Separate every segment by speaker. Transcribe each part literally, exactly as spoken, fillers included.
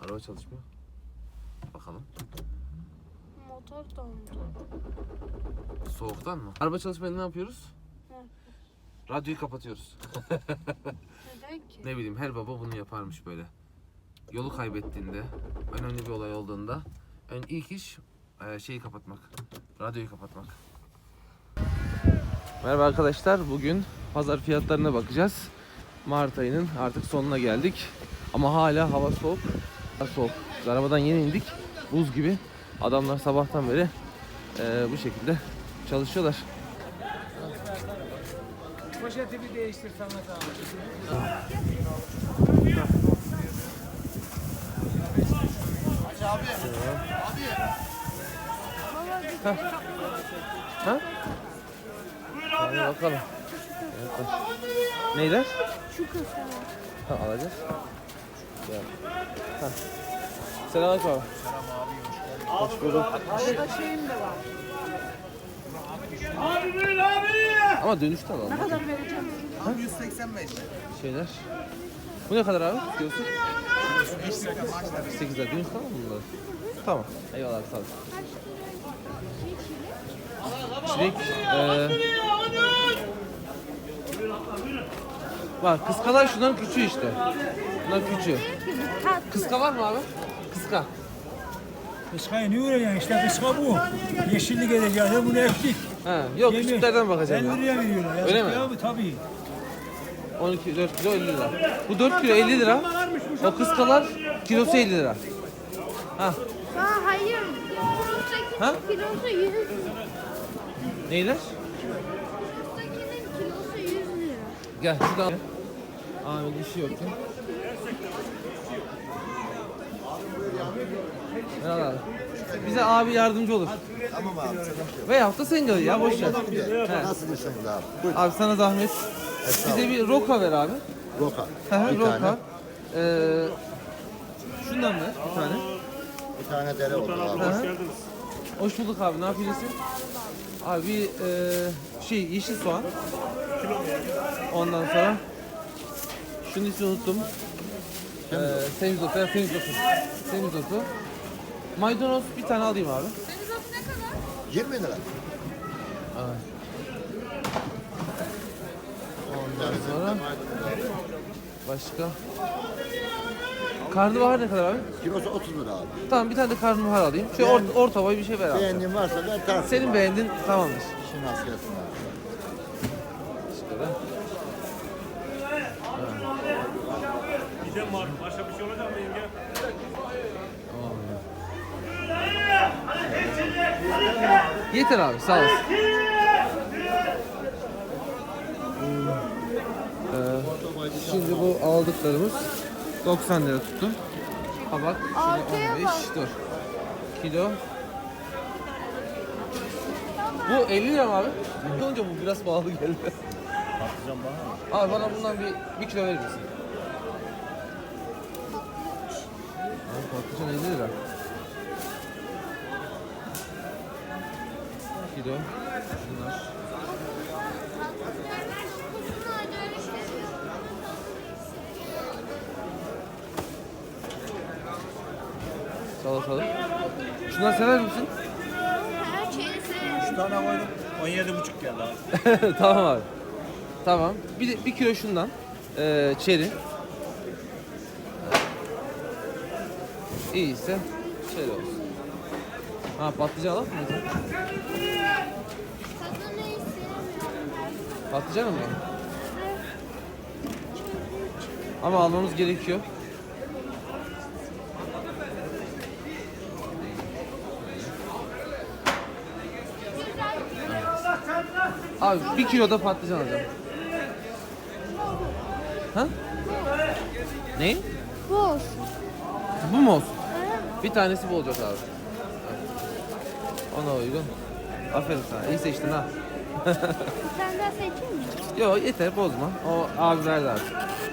Speaker 1: Araba çalışmıyor. Bakalım.
Speaker 2: Motor dondu.
Speaker 1: Soğuktan mı? Araba çalışmayınca ne yapıyoruz?
Speaker 2: Evet.
Speaker 1: Radyoyu kapatıyoruz.
Speaker 2: Neden ki?
Speaker 1: Ne bileyim, her baba bunu yaparmış böyle. Yolu kaybettiğinde, önemli bir olay olduğunda ön ilk iş e, şeyi kapatmak. Radyoyu kapatmak. Merhaba arkadaşlar. Bugün pazar fiyatlarına bakacağız. Mart ayının artık sonuna geldik. Ama hala hava soğuk. Hava soğuk. Biz arabadan yeni indik. Buz gibi. Adamlar sabahtan beri e, bu şekilde çalışıyorlar.
Speaker 3: Poşeti bir değiştir sana da.
Speaker 4: Aç abi. Abi.
Speaker 1: Ha? Hadi bakalım. Evet. Neyler?
Speaker 2: Şu kasa.
Speaker 1: Ha, alacağız. Gel. Ha. Selamünaleyküm abi. Hoş bulduk.
Speaker 2: Arada şeyim de var.
Speaker 4: Abi buyur abi.
Speaker 1: Ama dönüşte alalım.
Speaker 2: Ne kadar vereceğim?
Speaker 4: Abi yüz seksen beş.
Speaker 1: Şeyler. Bu ne kadar abi? Diyorsun? sekiz lira. Dönüş tamam mı bunlar? Tamam. Eyvallah abi, sağ ol. Çilek. Eee Bak, kıskalar şunların küçüğü işte. Bunlar küçüğü. Kıska var mı abi? Kıska.
Speaker 3: Kıskayı ne uğrayacaksın işte kıska bu. Yeşillik edeceğiz bunu ektik.
Speaker 1: Ha, yok
Speaker 3: Yemin-
Speaker 1: küçüklerden bakacağım
Speaker 3: elli
Speaker 1: ya.
Speaker 3: liraya veriyorlar. Yazık
Speaker 1: Öyle mi?
Speaker 3: Ya bu tabii.
Speaker 1: on iki, dört kilo elli lira. Bu dört kilo elli lira. O kıskalar kilosu elli lira. Ha,
Speaker 2: Aa, hayır.
Speaker 1: Ha?
Speaker 2: Kilosu kilosu yüz lira.
Speaker 1: neyler?
Speaker 2: Üsttekinin kilosu yüz lira.
Speaker 1: Gel şuradan. Abi dişi yok ya. Merhaba abi. Bize abi yardımcı olur.
Speaker 4: Tamam abi. Sıkıntı
Speaker 1: Veyahut da sen gel ya, boş ver. He.
Speaker 4: Nasıl işiniz abi? Buyur.
Speaker 1: Abi sana zahmet. Bize bir roka ver abi.
Speaker 4: Roka.
Speaker 1: Hı hı,
Speaker 4: Bir
Speaker 1: roka.
Speaker 4: tane.
Speaker 1: Ee, şundan ver bir tane.
Speaker 4: Bir tane dere oldu abi.
Speaker 1: Hı hı. Hoş bulduk abi, ne yapıyorsun? Abi bir e, şey yeşil soğan. Ondan sonra şunun ismini unuttum. Ee, semizotu, ya semizotu. Semizotu. Maydanoz bir tane alayım abi.
Speaker 4: yirmi lira.
Speaker 1: Evet. Ondan sonra başka. Karnabahar ne kadar abi?
Speaker 4: Kilosu otuz lira abi.
Speaker 1: Tamam, bir tane de karnabahar alayım. Şöyle or, orta boy bir şey ver abi.
Speaker 4: Beğendiğin varsa ver tersi.
Speaker 1: Senin beğendin tamamdır.
Speaker 4: İşin nasıl gelsin abi.
Speaker 1: Şöyle.
Speaker 5: Gidem var. Başka bir şey olacak mı yenge?
Speaker 1: Yeter abi, sağ olasın. Ee, şimdi bu aldıklarımız doksan lira tuttu. Kabak şöyle on beş, dur. Kilo. Bu elli lira mı abi? Önce bu biraz pahalı geldi.
Speaker 5: Patlıcan bana.
Speaker 1: Abi bana bundan bir, bir kilo verir misin? Abi patlıcan elli lira. Kilo. Şunlar. Salatalık. Şundan sever misin?
Speaker 2: Her şeyi seviyorum.
Speaker 5: Üç tane koydum. on yedi buçuk geldi abi.
Speaker 1: Tamam abi. Tamam. Bir de bir kilo şundan. Ee, çeri. İyiyse şöyle olsun. Ha, patlıcan alalım mı?
Speaker 2: Tadını hiç sevmiyorum.
Speaker 1: Patlıcan mı? Ama almamız gerekiyor. Abi bir kilo da patlıcan alacağım. Ha? Ne?
Speaker 2: Bu olsun.
Speaker 1: Bu mu olsun? Bir tanesi bu olacak abi. Ona uygun. Aferin sana. İyi seçtin ha.
Speaker 2: Bir tane daha seçeyim mi?
Speaker 1: Yok, yeter, bozma. O abi verdi artık.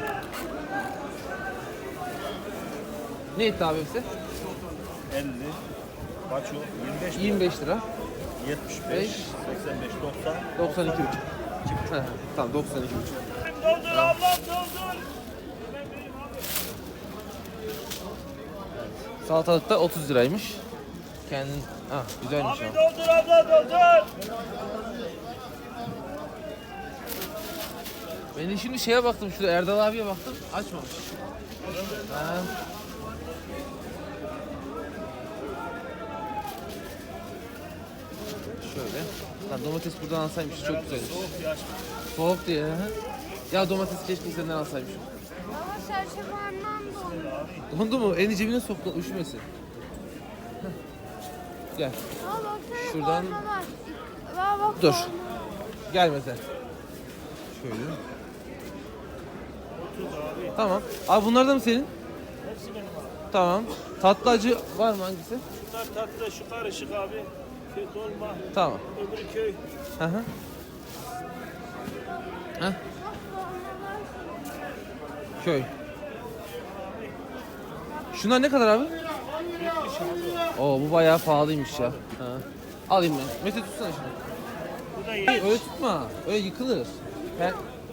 Speaker 1: Ne etti abi hepsi?
Speaker 5: elli. Kaç o? yirmi beş mi?
Speaker 1: yirmi beş lira.
Speaker 5: yetmiş
Speaker 1: beş.
Speaker 5: beş. seksen beş. doksan.
Speaker 1: doksan iki buçuk. He, tamam, doksan iki buçuk.
Speaker 5: Doldur ablam doldur.
Speaker 1: Salatalık da otuz liraymış. Kendin... Ah güzelmiş abi.
Speaker 5: Doldur abla doldur.
Speaker 1: Ben de şimdi şeye baktım, şurada Erdal abiye baktım, açmamış. Ha. Şöyle. Lan domates buradan alsaymış çok güzelmiş.
Speaker 5: Soğuk yaş.
Speaker 1: Soğuk diye. Ha. Ya domates keşke senden alsaymışım.
Speaker 2: Ama serçe parmağım dondu.
Speaker 1: Dondu mu? Elini cebine soktu, üşümesin. Heh. Gel.
Speaker 2: Aa baksana
Speaker 1: Şuradan-
Speaker 2: korna var. Aa bak
Speaker 1: Dur.
Speaker 2: korna.
Speaker 1: Gel mesela. Şöyle. Tamam. Abi bunlar da mı senin?
Speaker 5: Hepsi benim abi.
Speaker 1: Tamam. Tatlı acı var mı hangisi?
Speaker 5: Bunlar tatlı şu karışık abi. Köy dolma.
Speaker 1: Tamam.
Speaker 5: Öbürü köy.
Speaker 1: Hı hı. Heh. Köy. Şunlar ne kadar abi? Oo bu bayağı pahalıymış ya. Ha. Alayım ben. Mete tutsana şunu.
Speaker 5: Bu da
Speaker 1: Hey,
Speaker 5: iyi.
Speaker 1: öyle tutma. Öyle yıkılır. Gel.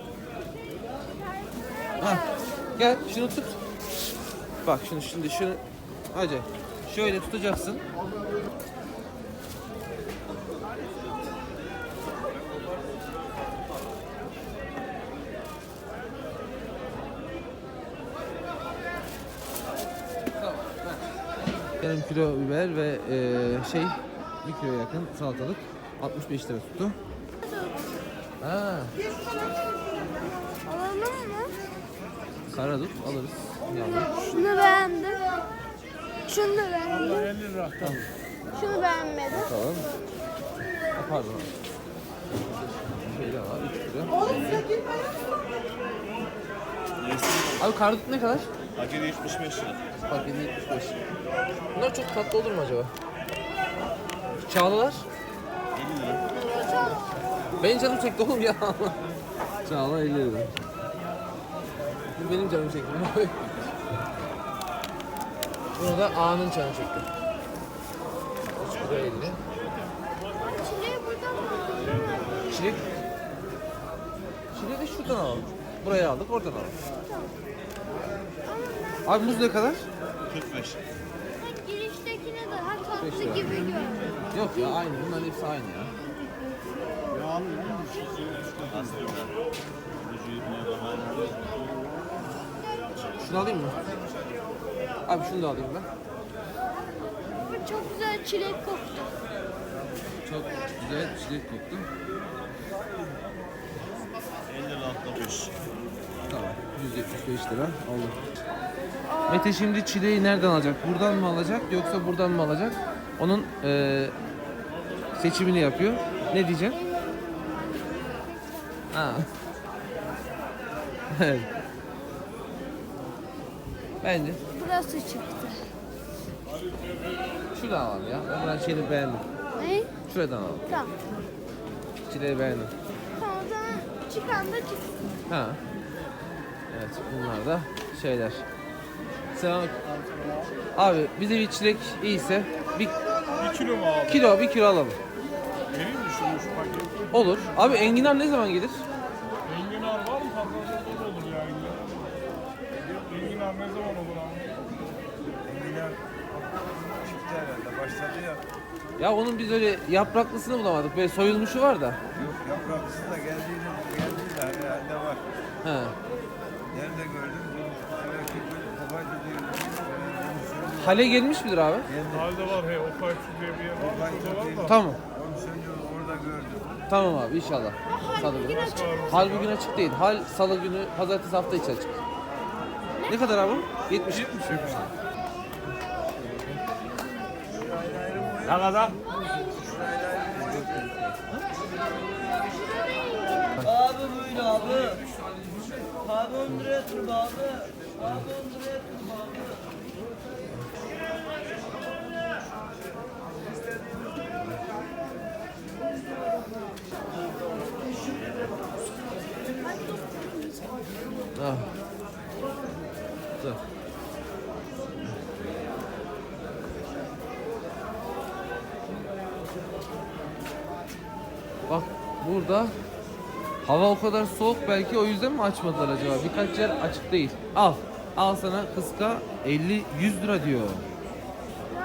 Speaker 1: Ha. Gel şunu tut. Bak şunu şimdi şunu. Hadi. Şöyle tutacaksın. Tamam. ver. Yarım kilo biber ve eee, şey bir kilo yakın salatalık. altmış beş lira tuttu. Ha,
Speaker 2: Alalım mı?
Speaker 1: karadut alırız. Yavrum.
Speaker 2: Şunu beğendim. Şunu da beğendim.
Speaker 5: elli lira.
Speaker 1: Tamam.
Speaker 2: Şunu beğenmedim.
Speaker 1: Bakalım. Ha, pardon. Şeyler var üç lira. Abi karadut ne kadar?
Speaker 5: Akide yetmiş beş lira.
Speaker 1: Bak yedi yetmiş beş. Bunlar çok tatlı olur mu acaba? Çağlalar?
Speaker 5: elli lira.
Speaker 1: Benim canım çekti oğlum ya. Çağla elli lira. Bu benim canım çekti. Bunu da A'nın canı çekti. üç lira elli.
Speaker 2: Çileği buradan mı alalım?
Speaker 1: Çilek. Çileği de şuradan alalım. Buraya aldık, oradan alalım. Abi muz ne kadar?
Speaker 5: kırk beş.
Speaker 2: Tek giriştekine daha
Speaker 1: Beş
Speaker 2: tatlı
Speaker 1: lira.
Speaker 2: gibi görünüyor.
Speaker 1: Yok ya aynı. Bunların hepsi aynı ya. Şunu alayım mı? Abi şunu da alayım ben.
Speaker 2: Bu çok güzel çilek koktu.
Speaker 1: Çok güzel çilek koktu.
Speaker 5: elli lira altmış beş.
Speaker 1: Tamam. yüz yetmiş beş lira oldu. Mete şimdi çileği nereden alacak? Buradan mı alacak yoksa buradan mı alacak? Onun eee, seçimini yapıyor. Ne diyeceksin? Ha. Evet. Bence
Speaker 2: Burası çıktı.
Speaker 1: şuradan alalım ya. Ben buranın şeyini beğendim.
Speaker 2: Ne?
Speaker 1: Şuradan alalım.
Speaker 2: Tamam.
Speaker 1: Çileği beğendim.
Speaker 2: Tamam o zaman çıkan da çıksın.
Speaker 1: Ha. Evet bunlar da şeyler. Selam. Abi bize bir çilek iyiyse bir
Speaker 5: bir kilo mu abi?
Speaker 1: kilo bir kilo alalım.
Speaker 5: Vereyim mi şunu şu paket?
Speaker 1: Olur. Abi enginar ne zaman gelir?
Speaker 5: Enginar var mı? Pazarda da olur ya enginar. Enginar ne zaman olur abi?
Speaker 6: Enginar çıktı herhalde. Başladı ya.
Speaker 1: Ya onun biz öyle yapraklısını bulamadık. Böyle soyulmuşu var da.
Speaker 6: Yok yapraklısı da geldiğinde geldi de herhalde var.
Speaker 1: He.
Speaker 6: Nerede gördüm? Belki bir kobaydı diyor.
Speaker 1: Hale gelmiş midir abi?
Speaker 5: Halde var he. O kayıtçı diye bir yer var. Şurada var da.
Speaker 1: Tamam.
Speaker 6: Onu söylüyor orada gördüm.
Speaker 1: Tamam abi inşallah. Salı günü. Hal bugün açık değil. Hal salı günü, pazartesi hafta içi açık. Ne kadar abi? yetmiş.
Speaker 5: Ne kadar?
Speaker 7: Abi buyur abi. Abi on liraya tur abi. Abi on liraya tur abi.
Speaker 1: Ah. Dur. Bak burada hava o kadar soğuk belki o yüzden mi açmadılar acaba? Birkaç yer açık değil. Al. Al sana kıska elli yüz lira diyor.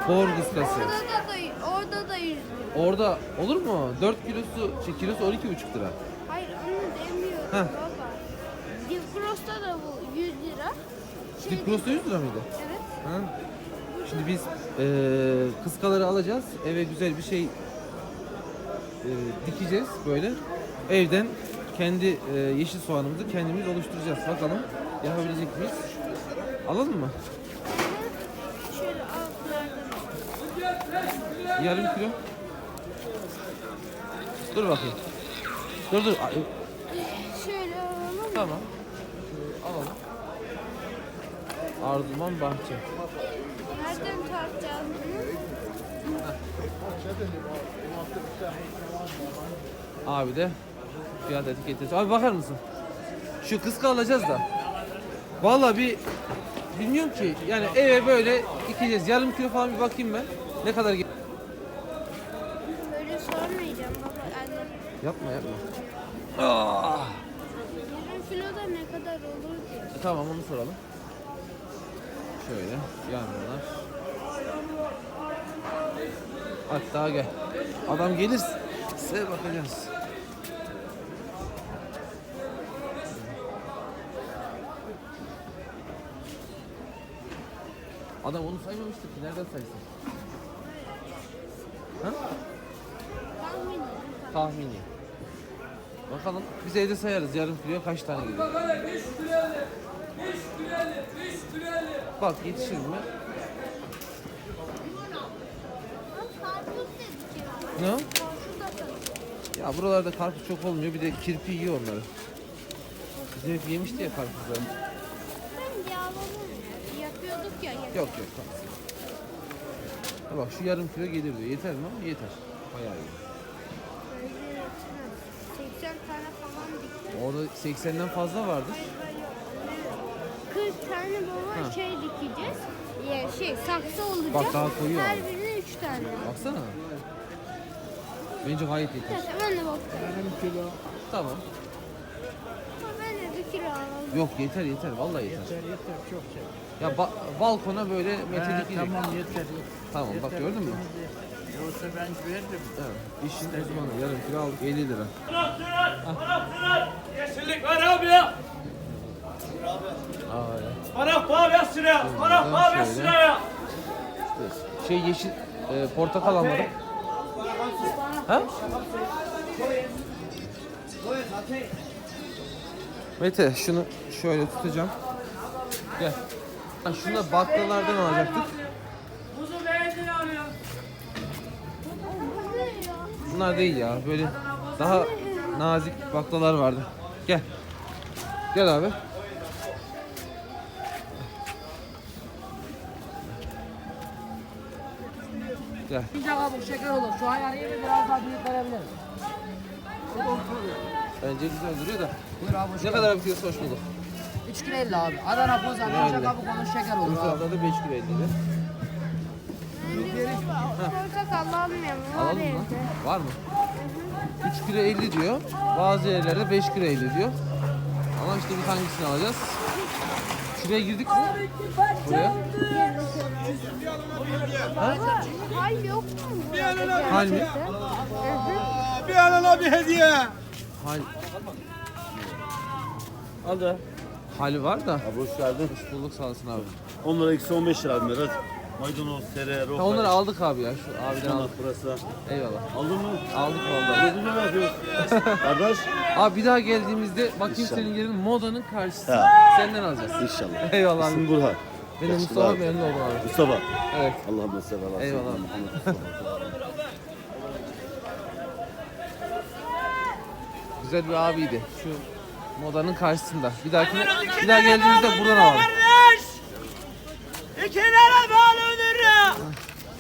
Speaker 1: Bor kıskası.
Speaker 2: Orada da orada da yüz lira.
Speaker 1: Orada olur mu? dört kilosu, şey, kilosu on iki buçuk lira.
Speaker 2: Hayır onu demiyorum
Speaker 1: Heh.
Speaker 2: baba. Difrost'ta da bu yüz lira. Şey,
Speaker 1: Diplosu yüz lira mıydı?
Speaker 2: Evet.
Speaker 1: Ha? Şimdi biz eee kıskaları alacağız. Eve güzel bir şey eee, dikeceğiz böyle. Evden kendi eee, yeşil soğanımızı kendimiz oluşturacağız. Bakalım yapabilecek miyiz? Alalım mı?
Speaker 2: Şöyle altlardan.
Speaker 1: Yarım kilo. Dur bakayım. Dur dur. Ay,
Speaker 2: Şöyle alalım.
Speaker 1: Tamam. Şöyle alalım. Arzuman Bahçe.
Speaker 2: Nereden tartacağız bunu?
Speaker 1: Abi de fiyat etiketi. Abi bakar mısın? Şu kıska alacağız da. Vallahi bir bilmiyorum ki. Yani eve böyle dikeceğiz. Yarım kilo falan bir bakayım ben. Ne kadar ge-
Speaker 2: Böyle sormayacağım baba anne.
Speaker 1: Yapma yapma. Ah!
Speaker 2: Yarım kiloda ne kadar olur diye.
Speaker 1: E, tamam onu soralım. Şöyle yanmalar. Hatta gel. Adam gelirse bakacağız. Adam onu saymamıştı ki nereden saysın? Ha?
Speaker 2: Tahmin.
Speaker 1: Tahmini. Bakalım biz evde sayarız yarım kiloya kaç tane geliyor. Bak yetişir mi?
Speaker 2: Karpuz dedik ya.
Speaker 1: Ne? o?
Speaker 2: Karpuz da tabii.
Speaker 1: Ya buralarda karpuz çok olmuyor bir de kirpi yiyor onları. Bizim hep yemişti ya karpuzları.
Speaker 2: Ben yağladım ya. Yapıyorduk ya.
Speaker 1: Yok yok tamam. Ha bak şu yarım kilo gelir diyor. Yeter mi? Yeter. Bayağı iyi.
Speaker 2: Böyle yetmez. seksen tane falan diktim.
Speaker 1: Orada seksenden fazla vardır.
Speaker 2: kırk tane baba
Speaker 1: Ha.
Speaker 2: şey dikeceğiz. Ya şey saksı olacak.
Speaker 1: Bak daha koyuyor
Speaker 2: Her
Speaker 1: abi.
Speaker 2: birine üç tane.
Speaker 1: Baksana. Bence gayet yeter.
Speaker 2: Neyse ben de bakıyorum.
Speaker 1: Tamam.
Speaker 2: Ama ben de bir kilo alalım.
Speaker 1: Yok yeter yeter. Vallahi yeter.
Speaker 3: Yeter yeter çok şey.
Speaker 1: Ya ba- balkona böyle metelik
Speaker 3: Ha,
Speaker 1: gidecek.
Speaker 3: tamam yeter.
Speaker 1: Tamam bak gördün mü?
Speaker 3: Yoksa ben verdim.
Speaker 1: Evet. İşin uzmanı yarım kilo aldık elli lira.
Speaker 5: Yeşillik var abi ya.
Speaker 1: Aa ya.
Speaker 5: Para pahalı sıraya. Para pahalı
Speaker 1: Şöyle.
Speaker 5: sıraya.
Speaker 1: Şey yeşil e, portakal almadım. Ha? Mete şunu şöyle tutacağım. Gel. Ha, şunu da baklalardan alacaktık.
Speaker 5: Kuzu beğendin abi ya.
Speaker 2: Bu ne ya?
Speaker 1: Bunlar değil ya. Böyle daha nazik baklalar vardı. Gel. Gel abi. Gel.
Speaker 8: İnce kabuk şeker olur. Şu an yani biraz daha büyük verebiliriz.
Speaker 1: Bence güzel duruyor da.
Speaker 8: Buyur abi.
Speaker 1: Ne kadar bir kilosu hoş bulduk.
Speaker 8: üç kilo elli abi. Adana poza, ince
Speaker 1: elli.
Speaker 8: kabuk olur, şeker olur abi.
Speaker 1: Urfa'da da beş kilo elli lira.
Speaker 2: Bence baba portakal almayalım. Var
Speaker 1: Alalım mı?
Speaker 2: evde.
Speaker 1: Var mı? üç kilo elli diyor. Bazı yerlerde beş kilo elli diyor. Ama işte biz hangisini alacağız? Şuraya girdik mi? Buraya.
Speaker 2: Baba hal yok mu burada?
Speaker 1: Hal mi?
Speaker 2: gerçekten? Hı hı.
Speaker 3: Bir alana bir hediye.
Speaker 1: Hal,
Speaker 5: Al da.
Speaker 1: hali var da.
Speaker 4: Abi hoş geldin.
Speaker 1: Hoş bulduk sağ olasın abi.
Speaker 4: Onlara eksi on beş lira abi hadi. Maydanoz, tere,
Speaker 1: Ha,
Speaker 4: roka.
Speaker 1: onları aldık abi ya. Şu abiden aldık.
Speaker 4: Burası.
Speaker 1: Eyvallah.
Speaker 4: Aldın mı?
Speaker 1: Aldık vallahi.
Speaker 4: Ödülü ne yapıyorsun? Kardeş.
Speaker 1: Abi bir daha geldiğimizde bakayım
Speaker 4: İnşallah.
Speaker 1: senin yerin modanın karşısı.
Speaker 4: Ha.
Speaker 1: Senden alacağız.
Speaker 4: İnşallah.
Speaker 1: Eyvallah abi.
Speaker 4: İsim Burhan.
Speaker 1: Ben de
Speaker 4: Yaşlı
Speaker 1: Mustafa
Speaker 4: abi.
Speaker 1: memnun oldum abi.
Speaker 4: Mustafa.
Speaker 1: Evet.
Speaker 4: Allah'ım sever. Allah
Speaker 1: Eyvallah.
Speaker 4: sever. Muhammed Mustafa.
Speaker 1: Güzel bir abiydi. Şu modanın karşısında. Bir dahakine bir daha geldiğimizde buradan alalım.
Speaker 5: Kardeş. İkilere bağlanır.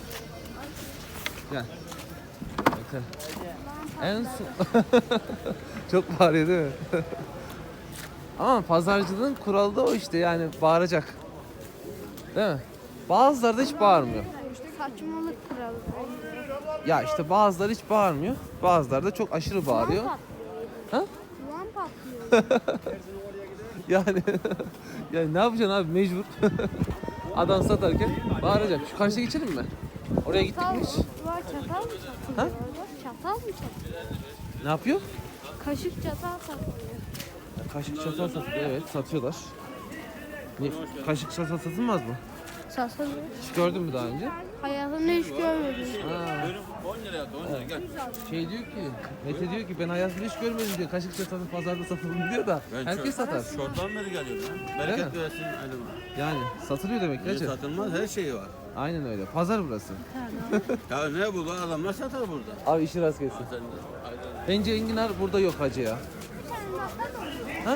Speaker 1: Gel. Bakın. En son... Çok bağırıyor değil mi? Ama pazarcılığın kuralı da o işte yani bağıracak. Değil mi? Bazıları da hiç bağırmıyor.
Speaker 2: Saçmalık kralı.
Speaker 1: Ya işte bazıları hiç bağırmıyor. Bazıları da çok aşırı bağırıyor. Ha?
Speaker 2: Ulan patlıyor.
Speaker 1: Yani yani ne yapacaksın abi mecbur. Adam satarken bağıracak. Şu karşıya geçelim mi? Oraya gittik
Speaker 2: Çatal
Speaker 1: mi
Speaker 2: mı?
Speaker 1: hiç?
Speaker 2: Var çatal mı satılıyor
Speaker 1: Ha?
Speaker 2: orada? Çatal mı satılıyor?
Speaker 1: Ne yapıyor?
Speaker 2: Kaşık çatal satılıyor.
Speaker 1: Kaşık çatal satılıyor. Evet satıyorlar. Ne, kaşık çatal satılmaz mı?
Speaker 2: Satılıyor.
Speaker 1: Hiç gördün mü daha önce?
Speaker 2: Hayatımda hiç görmedim.
Speaker 1: Ha. Şey diyor ki, Mete diyor ki ben hayatımda hiç görmedim diyor. Kaşık çatalın pazarda satılır diyor da herkes satar.
Speaker 4: Çoktan beri geliyorum ya.
Speaker 1: Değil mi?
Speaker 4: Bereket versin elime.
Speaker 1: Yani satılıyor demek ki
Speaker 4: Ne
Speaker 1: hacı.
Speaker 4: satılmaz her şeyi var.
Speaker 1: Aynen öyle. Pazar burası.
Speaker 4: Ya ne bu adamlar satar burada.
Speaker 1: Abi işi rast gelsin. Bence enginar burada yok hacı ya. Ha?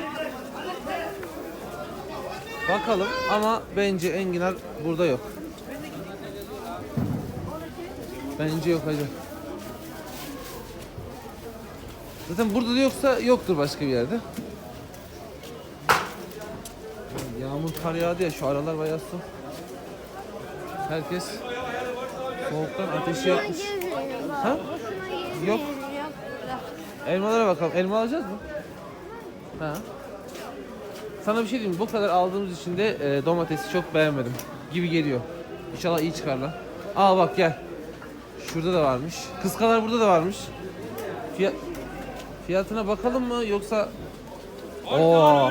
Speaker 1: Bakalım ama bence enginar burada yok. Bence yok hacı. Zaten burada da yoksa yoktur başka bir yerde. Yağmur kar yağdı ya şu aralar bayağı su. Herkes soğuktan ateşi yakmış. Ha? Yok. Elmalara bakalım. Elma alacağız mı? Ha. Sana bir şey diyeyim mi? Bu kadar aldığımız için de e, domatesi çok beğenmedim gibi geliyor. İnşallah iyi çıkarlar. Aa bak gel. Şurada da varmış. Kıskalar burada da varmış. Fiyat fiyatına bakalım mı yoksa Oo.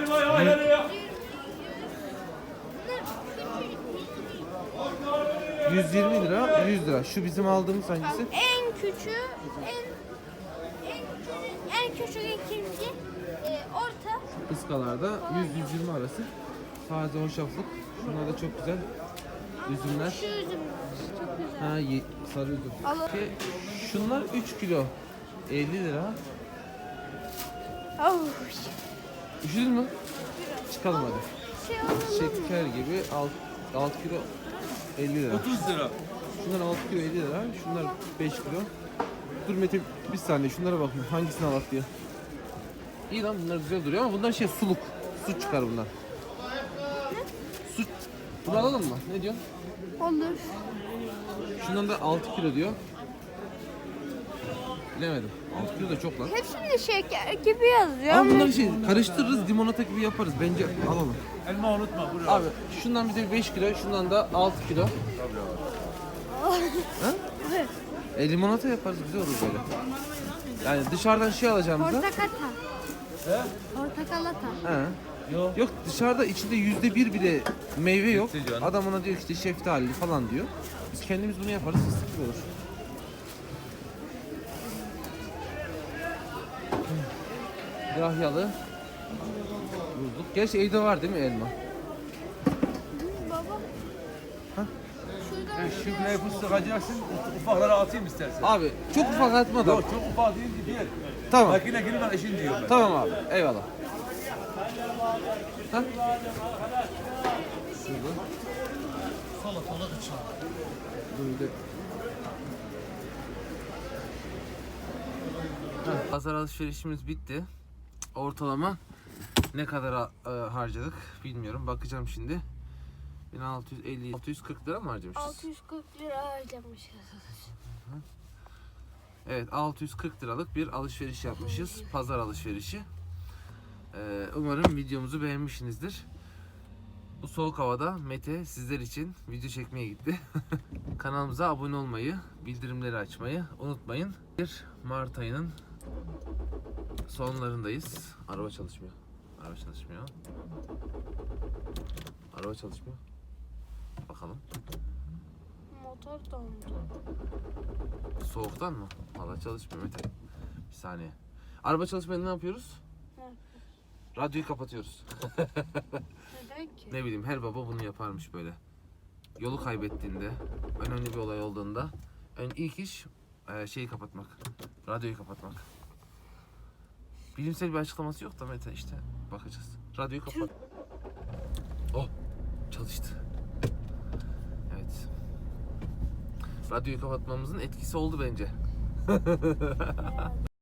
Speaker 1: yüz yirmi lira, yüz lira. Şu bizim aldığımız hangisi?
Speaker 2: En küçüğü, en en küçük, en küçük ikinci, e, orta.
Speaker 1: Iskalarda yüz yüz yirmi arası. Taze hoşaflık. Şunlar da çok güzel. Üzümler.
Speaker 2: Şu üzüm çok güzel.
Speaker 1: Ha, ye- sarı üzüm.
Speaker 2: Al-
Speaker 1: Ki şunlar üç kilo. elli lira.
Speaker 2: Oh,
Speaker 1: Üşüdün mü? Çıkalım hadi.
Speaker 2: şey alalım mı?
Speaker 1: Şeker gibi altı kilo elli lira.
Speaker 4: otuz lira.
Speaker 1: Şunlar altı kilo elli lira. Şunlar beş kilo. Dur Mete bir saniye şunlara bakayım. Hangisini alak diye. İyi lan bunlar güzel duruyor ama bunlar şey suluk. Su çıkar bunlar. Su. Bunu alalım mı? Ne diyorsun?
Speaker 2: Olur.
Speaker 1: Şundan da altı kilo diyor. Bilemedim. altı kilo da çok lan.
Speaker 2: Hepsinde şeker gibi yazıyor.
Speaker 1: Ama bunları şey karıştırırız, limonata gibi yaparız. Bence alalım.
Speaker 3: Elma unutma buraya.
Speaker 1: Abi şundan bize beş kilo, şundan da altı kilo. Ha? E, limonata yaparız, güzel olur böyle. Yani dışarıdan şey alacağımıza.
Speaker 2: Portakata. He? Portakalata.
Speaker 1: He. Yok. Yok dışarıda içinde yüzde bir bile meyve yok. Adam ona diyor işte şeftali falan diyor. Biz kendimiz bunu yaparız, fıstık gibi olur. Yahyalı. Bulduk. Gerçi evde var değil mi elma?
Speaker 2: Baba.
Speaker 1: Ha?
Speaker 2: Şuradan
Speaker 3: Şu buraya fıstık alacaksın, ufaklara atayım istersen.
Speaker 1: Abi çok ufak atma da.
Speaker 3: Yok çok ufak değil ki bir.
Speaker 1: Tamam.
Speaker 3: Makine gibi ben işin diyorum ben.
Speaker 1: Tamam abi. Eyvallah. Ha? Şurada. Salatalık için. Böyle. Ha, pazar alışverişimiz bitti. Ortalama ne kadar e, harcadık bilmiyorum. Bakacağım şimdi. bin altı yüz elli altı yüz kırk lira mı harcamışız?
Speaker 2: altı yüz kırk lira harcamışız.
Speaker 1: Evet altı yüz kırk liralık bir alışveriş yapmışız. Pazar alışverişi. Ee, umarım videomuzu beğenmişsinizdir. Bu soğuk havada Mete sizler için video çekmeye gitti. Kanalımıza abone olmayı, bildirimleri açmayı unutmayın. Bir Mart ayının sonlarındayız. Araba çalışmıyor. Araba çalışmıyor. Araba çalışmıyor. Bakalım.
Speaker 2: Motor dondu.
Speaker 1: Soğuktan mı? Valla çalışmıyor Mete. Bir saniye. Araba çalışmayınca ne yapıyoruz?
Speaker 2: Ne yapıyoruz?
Speaker 1: Radyoyu kapatıyoruz.
Speaker 2: Neden ki?
Speaker 1: Ne bileyim her baba bunu yaparmış böyle. Yolu kaybettiğinde, önemli bir olay olduğunda ön ilk iş e, şeyi kapatmak. Radyoyu kapatmak. Bilimsel bir açıklaması yok da Mete işte bakacağız. Radyoyu kapat. Oh çalıştı. Evet. Radyoyu kapatmamızın etkisi oldu bence.